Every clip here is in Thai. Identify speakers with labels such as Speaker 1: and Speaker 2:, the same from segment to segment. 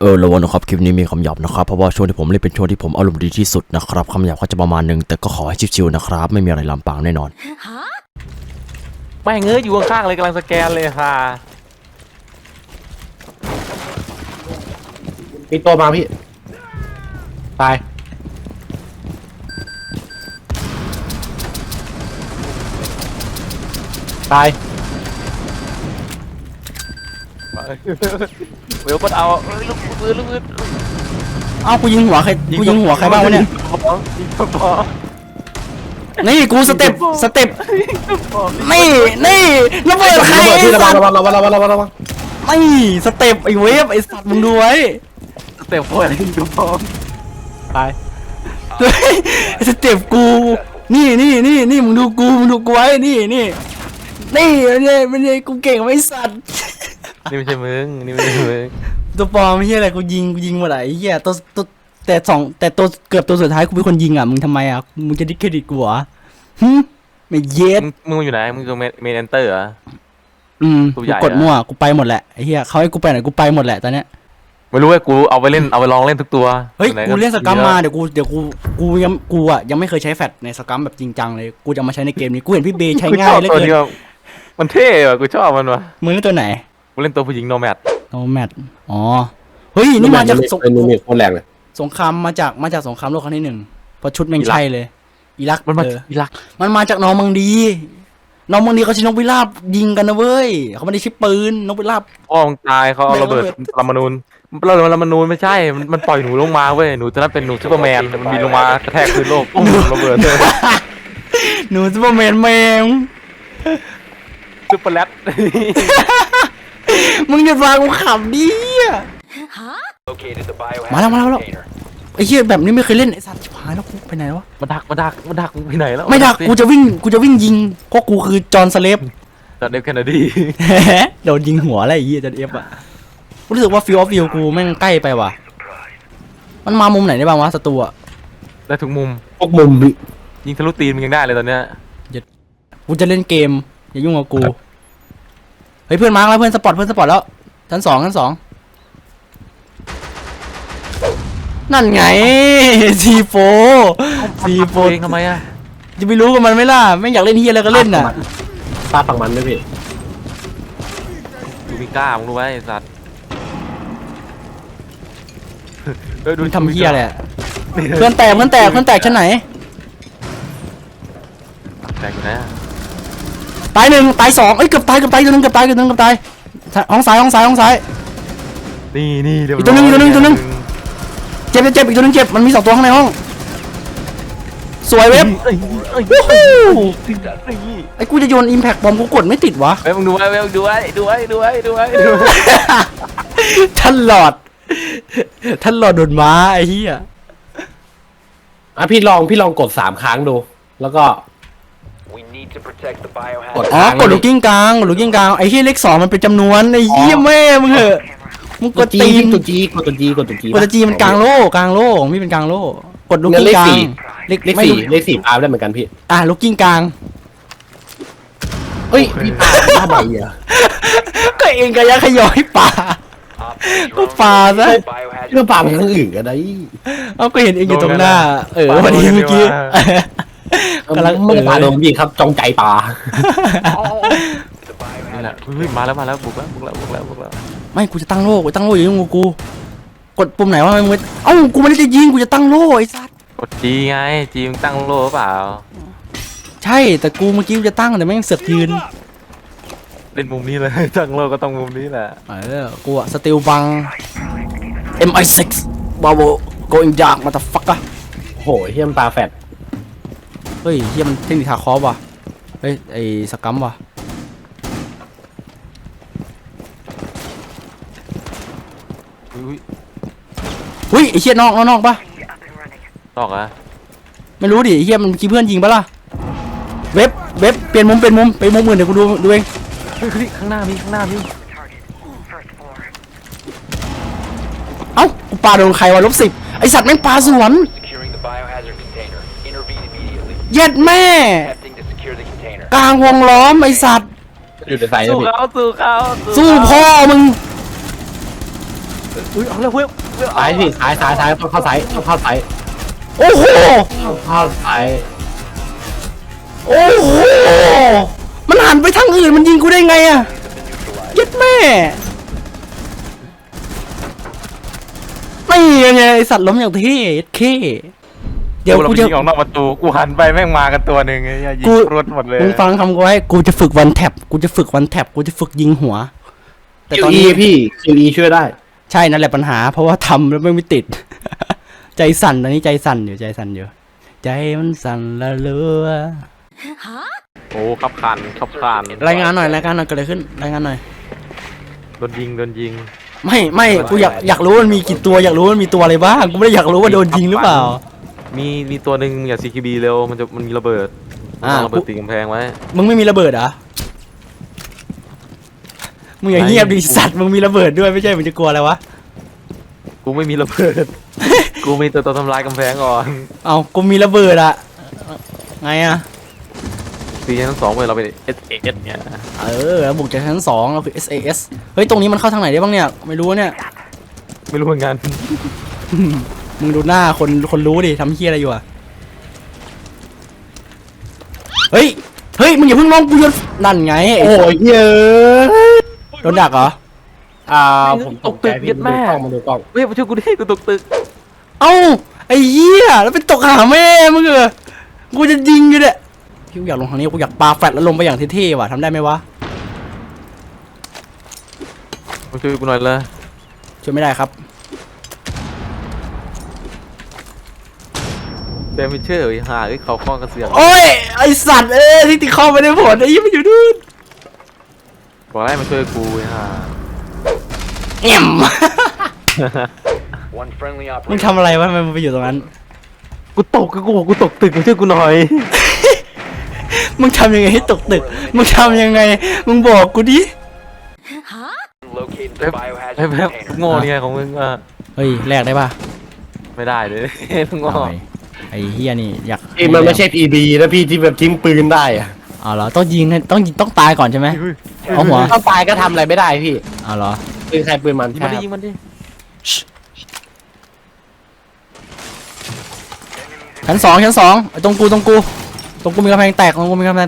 Speaker 1: ระวังนะครับคลิปนี้มีคำหยาบนะครับเพราะว่าช่วงที่ผมเล่นเป็นช่วงที่ผมอารมณ์ดีที่สุดนะครับคำหยาบก็จะประมาณนึงแต่ก็ขอให้ชิวๆนะครับไม่มีอะไรลามปามแน่นอน
Speaker 2: ไม่เงยอยู่ข้างๆเลยกำลังสแกนเลยค่ะ
Speaker 3: มีตัวมาพี่ตาย
Speaker 2: เวลปดเอาลูกปืน
Speaker 1: เอ้ากูยิงหัวใครบ้างวะเนี่ยนี่กูสเต็ปนี่ระเบิดใคร
Speaker 3: พี่ระวัง
Speaker 1: นี่สเต็ปไอ้เวฟไอ้สัตว์มึงดูไว้
Speaker 2: สเต็ปโคตรดูพร้อม
Speaker 3: ตาย
Speaker 1: สเต็ปกูนี่มึงดูกูไว้นี่ไม่ใช่กูเก่งไม่สัตว์
Speaker 2: นี่ไม่ใช่มึง
Speaker 1: ตัวปลอมไม่ใช่อะไรกูยิงหมดไอ้เหี้ยตัวแต่ตัวเกือบตัวสุดท้ายกูเป็นคนยิงอ่ะมึงทำไมอ่ะมึงจะดิสเครดิตกูเหรอไม่เย็ด
Speaker 2: มึงอยู่ไหนมึงคือเมนเอนเตอร์เหรอ
Speaker 1: กูกดมั่วกูไปหมดแหละไอ้เหี้ยเขาให้กูไปไหนกูไปหมดแหละตอนเนี้ย
Speaker 2: ไม่รู้ว่ากูเอาไปลองเล่นทุกตัว
Speaker 1: เฮ้ยกูเล่นสกัมมาเดี๋ยวกูยังไม่เคยใช้แฟลชในสกัมแบบจริงจังเลยกูจะมาใช้ในเกมนี้กูเห็นพี่เบย์ใช้ง่ายเหลือเกิน
Speaker 2: มันเท่อะกูชอบมันว่ะ
Speaker 1: มึงเล่นตัวไหน
Speaker 2: กูเล่นตัวผู้หญิงโนแมด
Speaker 1: อ๋อเฮ้ยนี่มาจาก
Speaker 3: โคตรแรงเลย
Speaker 1: สงครามมาจากสงครามโลกครั้งที่1เพราะชุดแม่งใช่เลยอิรัก
Speaker 2: มัน
Speaker 1: มาจากนอร์มังดีเขาใช้นกพิราบยิงกันนะเว้ยเขาไม่ได้ใช้ปืนนกพิราบ
Speaker 2: พ่อมึงตายเขาเอาระเบิดปรมาณูไม่ใช่มันปล่อยหนูลงมาเว้ยหนูจะนั้นเป็นหนูซูเปอร์แมนมันบินลงมากระแทกพื้นโลกปุ้งระเบิดเลย
Speaker 1: หนูซูเปอร์แมนแมง
Speaker 2: ซูเปอร์แรด
Speaker 1: มึงหยุดฟังกูขำดิมาแล้วไอ้เหี้ยแบบนี้ไม่เคยเล่นไอ้สัตว์ชิบหายแล้วกูไปไหนวะ
Speaker 2: มาดักไปไหนแล้ว
Speaker 1: ไม่ดักกูจะวิ่งยิงเพราะกูคือจอห์นสเลฟ
Speaker 2: จอห์นเอฟแคนาดี
Speaker 1: โดนยิงหัวอะไรไอ้เหี้ยจอห์นเอฟอ่ะรู้สึกว่าฟิลออฟวิวกูแม่งใกล้ไปว่ะมันมามุมไหนได้บ้างวะศัตรูอ่ะ
Speaker 2: ได้ทุกมุมยิงทะลุตีนมันยังได้เลยตอนเนี้ย
Speaker 1: กูจะเล่นเกมอย่ายุ่งกับกูเฮ้ยเพื่อนมาแล้วเพื่อนสปอร์ตแล้วชั้น 2นั่นไงซีโฟ
Speaker 2: ทำไมอ่ะ
Speaker 1: จะไปรู้กับมันไหมล่ะไม่อยากเล่นเฮียอะไรก็เล่นน่ะ
Speaker 3: ตาฝั่งมันด้วยพี่
Speaker 2: ดูมิก้ามึงรู้ไหมสัตว์
Speaker 1: ดูทำเฮียอะไรเพื่อนแตกชั้นไหน
Speaker 2: แตกอยู่นะ
Speaker 1: ตาย1ตาย2เอ้ยเกือบตายตัวนึงห้องซ้าย
Speaker 2: นี่
Speaker 1: อีกตัวนึงเจ็บอีกตัวนึงเจ็บมันมี2ตัวข้างในห้องสวยเว็บไอ้กูจะโยนอิมแพคบอมกูกดไม่ติดวะ
Speaker 2: เว็บมึงดูไว้
Speaker 1: ท่านหลอดโดนม้าไอ้เหี้ย
Speaker 3: พี่ลองกด3ครั้งดูแล้วก็
Speaker 1: กดลูกกิ้งกลางไอ้เหี้ยเลข2มันเป็นจำนวนไอ้เหี้ยแม่มึงเหอะมึงกดตีน
Speaker 3: กดจี
Speaker 1: มันกลางโล่ไม่เป็นกลางโล่กดลูกกิ้งกลาง
Speaker 3: เลข4ได้เหมือนกันพี่
Speaker 1: ลูกกิ้งกลาง
Speaker 3: เฮ้ยพี่ปลาทำไมอ่ะ
Speaker 1: ก็เองก็ยักขย่อยปลาก็ปลาซะ
Speaker 3: เรื่องปลาเป็นอย่างอื่นกันได้
Speaker 1: ก็เห็นเองอยู่ตรงหน้าวันนี้เมื่อกี้
Speaker 3: กำลังไม่ปลาโดนพี่ครับจงใจปลา
Speaker 2: นี่แหละมาแล้วบุกแล้ว
Speaker 1: ไม่กูจะตั้งโล่อย่ายุ่งกับกูกดปุ่มไหนวะมึงกูไม่ได้จะยิงกูจะตั้งโล่ไอ้สัส
Speaker 2: กดจีไงจีมึงตั้งโล่เปล่า
Speaker 1: ใช่แต่กูเมื่อกี้จะตั้งแต่แม่งเสือกยืน
Speaker 2: เล่นมุมนี้เลยตั้งโล่ก็ต้องมุมนี้แหละ
Speaker 1: กูอะสติลบัง MI6 Bravo going dark motherfucker
Speaker 3: โหเฮียมตาแฟด
Speaker 1: เฮ้ยเฮียมันเทคนิคทาคอฟว่ะเฮ้ยไอ้สกัมว่ะเฮ้ยไอ้เฮียนอกปะ
Speaker 2: นอกอะ
Speaker 1: ไม่รู้ดิไอ้เฮียมันคิดเพื่อนยิงปะล่ะเว็บเปลี่ยนมุมไปมุมอื่นเดี๋ยวกูดูเอง
Speaker 2: ข้างหน้าพี่
Speaker 1: เอ้ากูปาโดนใครวะ-10ไอสัตว์แม่งปาสวนเย็ดแม่กลางวงล้อมไอสัตว์
Speaker 3: อยู่ในไซน์
Speaker 2: สู้เขา
Speaker 1: สู้พ่อมึง
Speaker 2: อุ้ยเอาแล้วเว้ย
Speaker 3: ซ้ายพี่ซ้ายต้องเข้าซ้ายต้องเข้าซ้าย
Speaker 1: โอ้โห
Speaker 3: ต้องเข้าซ้าย
Speaker 1: โอ้โหมันหันไปทางอื่นมันยิงกูได้ไงอะเย็ดแม่ไม่ไงไอสัตว์ล้มอย่างเท่เย็ดเข้เดี๋ยว
Speaker 2: เรา
Speaker 1: กู
Speaker 2: ไป
Speaker 1: จะ
Speaker 2: ยิงออกนอกประตูกูหันไปแม่งมากันตัวหนึ่งไอ้ยิง
Speaker 1: กู
Speaker 2: รวดหมดเลย
Speaker 1: มึงฟังคำกูไว้กูจะฝึกวันแท็บกูจะฝึกวันแท็บกูจะฝึกยิงหัว แต่ตอน
Speaker 3: QE
Speaker 1: นี้
Speaker 3: พี่ QE ช่วยได้
Speaker 1: ใช่นั่นแหละปัญหา เพราะว่าทำแล้วไม่ติด ใจสั่นตอนนี้ใจสั่นอยู่ใจมันสั่นละเลือ
Speaker 2: โอ้ขับคาน
Speaker 1: รายงานหน่อยเกิดอะไรขึ้นรายงานหน่อย
Speaker 2: โดนยิง
Speaker 1: ไม่กูอยากรู้ว่ามันมีกี่ตัวอยากรู้ว่ามันมีตัวอะไรบ้างกูไม่ได้อยากรู้ว่าโดนยิงหรือเปล่า
Speaker 2: มีตัวหนึ่งอย่า CQB เร็วมันมีระเบิด
Speaker 1: อ่า
Speaker 2: ระเบิดตีกำแพงไว้
Speaker 1: มึงไม่มีระเบิดเหรอมึงอย่า
Speaker 2: ไหน
Speaker 1: เงียบดิสัตว์มึงมีระเบิดด้วยไม่ใช่มึงจะกลัวอะไรวะ
Speaker 2: กูไม่มีระเบิด กูมีตัวทำลายกำแพงก่อน
Speaker 1: เอากูมีระเบิดอะไงอะ
Speaker 2: ตีชั้น2เลยเราเป็น SAS เนี่ย
Speaker 1: แล้วบุกจากชั้น2เราคือ SAS เฮ้ยตรงนี้มันเข้าทางไหนได้บ้างเนี่ยไม่รู้เนี่ย
Speaker 2: ไม่รู้เหมือนกัน
Speaker 1: มึงดูหน้าคนรู้ดิทำเฮี้ยอะไรอยู่อะเฮ้ยมึงอย่าเพิ่งลงกูโยนนั่นไง
Speaker 3: โอ้ยเยอะ
Speaker 1: โดนดักเหรอ
Speaker 3: ผมตกใจพี่ดูกล้องมาดูกล้อง
Speaker 2: เฮ้ยมาช่วยกูดิกูตกตึก
Speaker 1: เอ้าไอ้เหี้ยแล้วไปตกหาแม่มึงเหรอกูจะยิงอยู่เนี่ยพี่กูอยากลงทางนี้กูอยากปาแฟลชแล้วลงไปอย่างเท่ๆว่ะทำได้ไหมวะ
Speaker 2: มาช่วยกูหน่อยเลย
Speaker 1: ช่วยไม่ได้ครับ
Speaker 2: เดมิเชอร์หาเขาข้องกระเสือก
Speaker 1: โอ้ยไอสัตว์ที่ติดข้อไม่ได้ผลไอ้ยี่มันอยู่นู่น
Speaker 2: บอกให้มาช่วยกูฮะ
Speaker 1: แอม มึงทำอะไรวะทำไมมึงไปอยู่ตรงนั้น
Speaker 2: กูตกกูตกตึกมาช่วยกูหน่อย
Speaker 1: มึงทำยังไงให้ตกตึกมึงทำยังไงมึงบอกกูดิ
Speaker 2: ไอ้แบบโง่เนี่ยของมึงอ่ะ
Speaker 1: เฮ้ยแลกได้ป่ะ
Speaker 2: ไม่ได้เลย โง่
Speaker 1: เอาไปไอ้เฮียนี่อยาก
Speaker 3: มันไม่ใช่ PB นะพี่ที่แบบทิ้งปืนได้อะ
Speaker 1: เอาเหรอต้องยิงต้องตายก่อนใช่ไหมเอาหัว
Speaker 3: ถ้าตายก็ทำอะไรไม่ได้พี่
Speaker 1: เอาเหรอ
Speaker 3: ปืนใครปืนมัน
Speaker 2: ยิง
Speaker 3: ใช่
Speaker 2: มัน
Speaker 3: ค
Speaker 2: ดิ
Speaker 3: รับ
Speaker 2: ยิงมันดิ
Speaker 1: ชั้นสองไอ้ตรงกูมีกำแพงแตก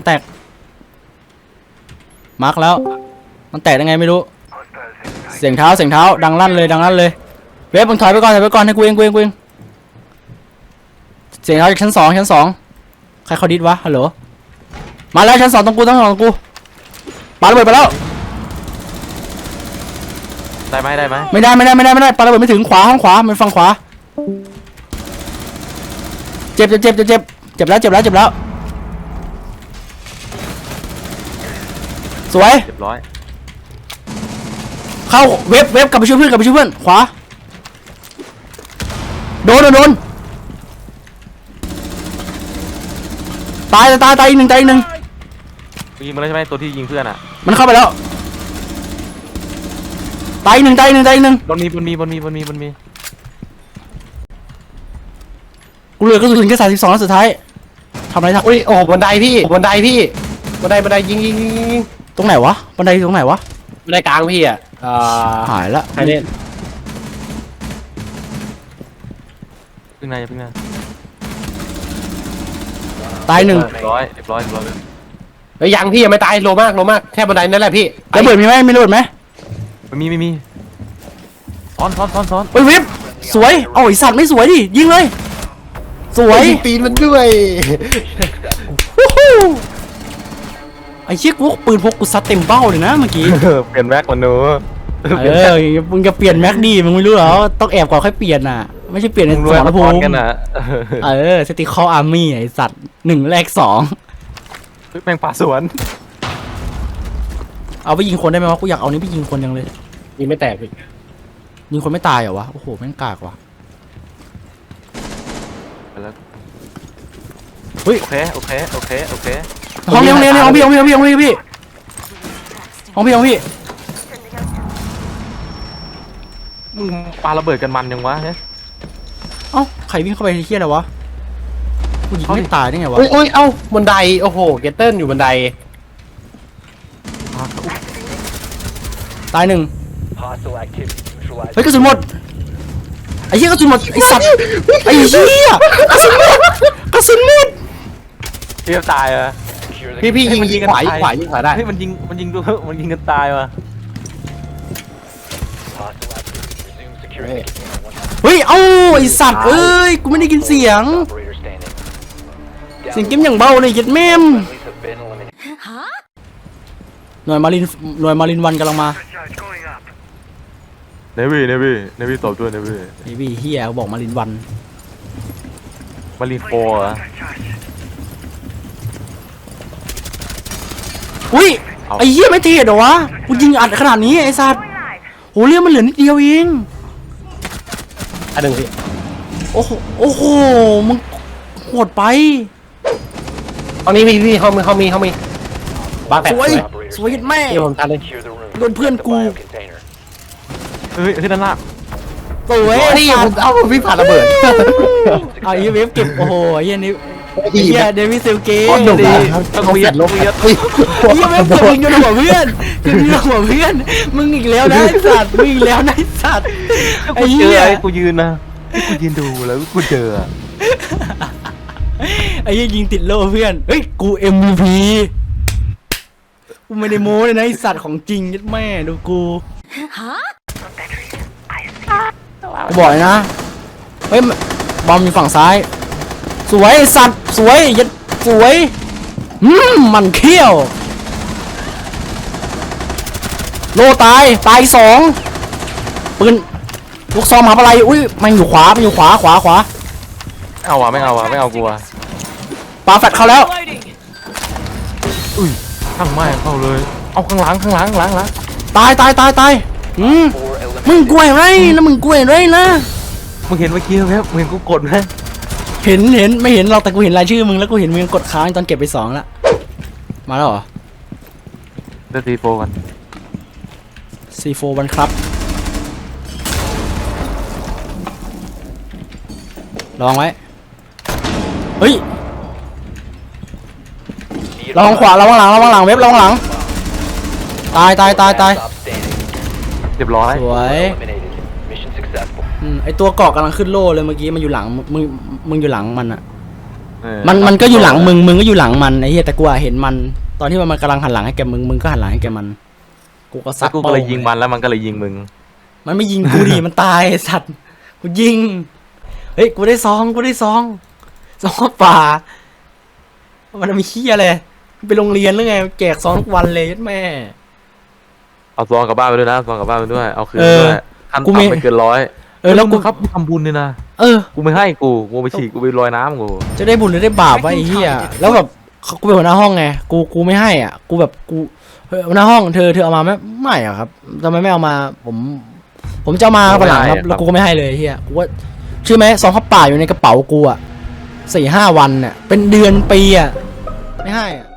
Speaker 1: มาร์กแล้วมันแตกยังไงไม่รู้เสียงเท้าดังลั่นเลยเว็บมึงถอยไปก่อนให้กูเองเสียงเท้าจากชั้นสองใครเขาดิดวะฮัลโหลมาแล้วชั้นสองตรงกูปาระเบิดไปแล้ว
Speaker 2: ได้ไหม
Speaker 1: ไม่ได้ปาระเบิดไม่ถึงขวาห้องขวามันฝั่งขวาเจ็บแล้วสวย
Speaker 2: เรียบร้อย
Speaker 1: เข้าเว็บกลับไปช่วยเพื่อนขวาโดนตายอีกหนึ่ง
Speaker 2: ยิงมันแล้วใช่ไหมตัวที่ยิงเพื่อนอ่ะ
Speaker 1: มันเข้าไปแล้วตายอีกหนึ่ง
Speaker 2: บนมี
Speaker 1: กูเหลือกระสุนแค่32นัดสุดท้ายทำอะไรทัก
Speaker 3: อุ้ยโอ้บันไดพี่บันไดยิง
Speaker 1: ตรงไหนวะบันไดตรงไหนวะ
Speaker 3: บันไดกลางพี่อ่ะ
Speaker 1: หายละ
Speaker 3: ใครเล่น
Speaker 2: พึ่งนาย
Speaker 1: ตายหนึ่ง
Speaker 2: เรียบร้อย
Speaker 3: เฮ้ยยังพี่ยังไม่ตายโลมากแค่บันไดนั่นแหละพี่
Speaker 1: ระเบิดมีไหมไม่ระเบิดไหม
Speaker 2: ไม่มีซ้อน
Speaker 1: เฮ้ยเว็บสวยเอาไอสัตว์ไม่สวยดิยิงเลยสวย
Speaker 3: ยิงตีนมันด้วย
Speaker 1: วู้ฮู้ไอ้เชี่ยกูปืนพกกูซัดเต็มเบ้าเลยนะเมื่อกี้
Speaker 2: เปลี่ยนแม็กมันหนู
Speaker 1: มึงจะเปลี่ยนแม็กดีมึงไม่รู้เหรอต้องแอบก่อนค่อยเปลี่ยนน่ะไม่ใช่เปลี่ยนในสมรภูมิ
Speaker 2: กันอ่ะ
Speaker 1: สติคออาร์มี่ไอสัตว์1แรก2
Speaker 2: แม่งป่าสวน
Speaker 1: เอาไปยิงคนได้ไหมวะกูอยากเอานี้ไปยิงคนยังเลย
Speaker 3: ยิงไม่แตกพี่
Speaker 1: ยิงคนไม่ตายเหรอวะโอ้โหแม่งกากว่ะ
Speaker 2: โอเค
Speaker 1: ห้องพี่
Speaker 2: มึงปาระเบิดกันมันยังวะเนี่ย
Speaker 1: เอ้าใครวิ่งเข้าไปเฮี้ยอะไรวะกูยิงไม่ตายได้ไงวะ
Speaker 3: อุ้ยเอ้าบันไดโอ้โหเกตเติ้ลอยู่บันได
Speaker 1: ตายหนึ่งเฮ้ยกระสุนหมดไอ้เหี้ยกระสุนหมดไอ้สัตว์ไอ้เหี้ยกระสุนหมดกระสุนหมด
Speaker 2: เทียบตายอ่ะ
Speaker 3: พี่ยิงขวายิงขวายิงขวาได้
Speaker 2: เฮ้ยมันยิงดูมันยิงกันตายว่ะ
Speaker 1: เฮ้ยเอ้าไอ้สัตว์เอ้ยกูไม่ได้ยินเสียงเสียงเกมอย่างเบาเลยยัดแม่มหน่วยมารินวันกำลังมา
Speaker 2: เนวี่ตบด้วยเนวี่
Speaker 1: ไอ้พี่เฮียบอกมารินวัน
Speaker 2: มารีโฟอ่ะ
Speaker 1: อุ้ยไอ้เหี้ยไม่เทเหรอวะกูยิงอัดขนาดนี้ไอ้สัตว์โหเลือดมันเหลือนิดเดียวเอง
Speaker 3: อันหนึ่งพี่
Speaker 1: โอ้โหมึงโหดไป
Speaker 3: ห้องนี้พี่ห้องมีบ้านแปด
Speaker 1: สวยยัดแม่
Speaker 3: ที่ผมทันเลย
Speaker 1: โดนเพื่อนกู
Speaker 2: เฮ้ยด้านล่าง
Speaker 1: สวย
Speaker 3: นี่ผมเอาพี่ผ่านระเบิด
Speaker 1: เอาไอ้เวฟเก็บโอ้โหไอ้เหี้ยนี่ไอ้
Speaker 3: ดี
Speaker 1: เหี้ย
Speaker 3: นะ
Speaker 1: เดวิดเซลเก้
Speaker 3: โคตรดุ
Speaker 1: ดิ
Speaker 3: นะ
Speaker 2: ต้องเวียด
Speaker 3: ลบ
Speaker 2: เวียด
Speaker 1: ไอ้เหี้ยเวฟเก็บยิงโดนหัวเพื่อนเก็บยิงโดนหัวเพื่อนมึงอีกแล้วนะไอ้สัตว์มึงอีกแล้วนะไอ้สัตว์ไอ้
Speaker 2: กูเจ
Speaker 1: เหี้
Speaker 2: อย ไอ้กูยืนนะกูยืนดูแล้วกูเจอ
Speaker 1: ไอ้เหี้ยยิงติดโล่เพื่อนเฮ้ยกู MVP กูไม่ได้โม้เลยนะไอ้สัตว์ของจริงยัดแม่ดูกูกูบอกเลยนะเฮ้ยบอมอยู่ฝั่งซ้ายสวยไอ้สัตว์สวยยัดสวยมันเขี้ยวโลตายสองปืนลูกซองมหาอะไรอุ้ยมันอยู่ขวาขวา
Speaker 2: เอาว่ะไม่เอากูว่ะ
Speaker 1: ปาแฟดเข้าแล้ว
Speaker 2: ข้างไม่เข้าเลยเอาข้างหลัง
Speaker 1: ตายมึงกล้วยไรนะมึงกล้วยไรนะ
Speaker 2: มึงเห็นเมื่อกี้ไหมมึงเห็นกูกดไหม
Speaker 1: เห็นไม่เห็นเราแต่กูเห็นรายชื่อมึงแล้วกูเห็นมึงกดค้างตอนเก็บไป2แล้วมาแล้วเหรอ
Speaker 2: เดี๋ยวตีโฟกัน
Speaker 1: C4 วันครับระวังไว้เฮ้ยระวังขวาระวังหลังเว็บระวังหลังตาย
Speaker 2: เรียบร้อย
Speaker 1: สวยไอตัวเกาะกำลังขึ้นโล่เลยเมื่อกี้มันอยู่หลังมึงอยู่หลังมันอะมันก็อยู่หลังมึงก็อยู่หลังมันไอ้เหี้ยแต่กูอะเห็นมันตอนที่มันกำลังหันหลังให้แกมึงก็หันหลังให้แกมันกูก็ซั
Speaker 2: แล้
Speaker 1: ด
Speaker 2: วกูก็เลยยิงมันแล้วมันก็เลยยิงมึง
Speaker 1: มันไม่ยิงกูดิ มันตายไอ้สัตว์กูยิงเฮ้ยกูได้ซองป่ามันมีขี้อะไรไปโรงเรียนหรือไงแจกซองทุกวันเลยยัดแม่
Speaker 2: เอาซองกลับบ้านไปด้วยนะซองกลับบ้านไปด้วยเอาคืน
Speaker 1: เออ
Speaker 2: ด้วยขั้น
Speaker 1: กูไม่
Speaker 2: ต่ำไม่เกิน100
Speaker 1: แล้วกู
Speaker 2: ครับทำบุญเลยนะ กูไม่ให้กูไปฉีกกูไปลอยน้ำกู
Speaker 1: จะได้บุญหรือได้บาปวะไอ้เหี้ยแล้วแบบกูเป็นหัวหน้าห้องไงกูไม่ให้อ่ะกูแบบกูเฮ้ยหัวหน้าห้องเธอเอามาไม่อะครับทำไมไม่เอามาผมจะเอามาวันหลังครับแล้วกูก็ไม่ให้เลยไอ้เหี้ยกูว่าเชื่อไหมซองข้าวเปล่าอยู่ในกระเป๋ากูอ่ะ4-5 วันเนี่ยเป็นเดือนปีอ่ะไม่ให้อ่ะ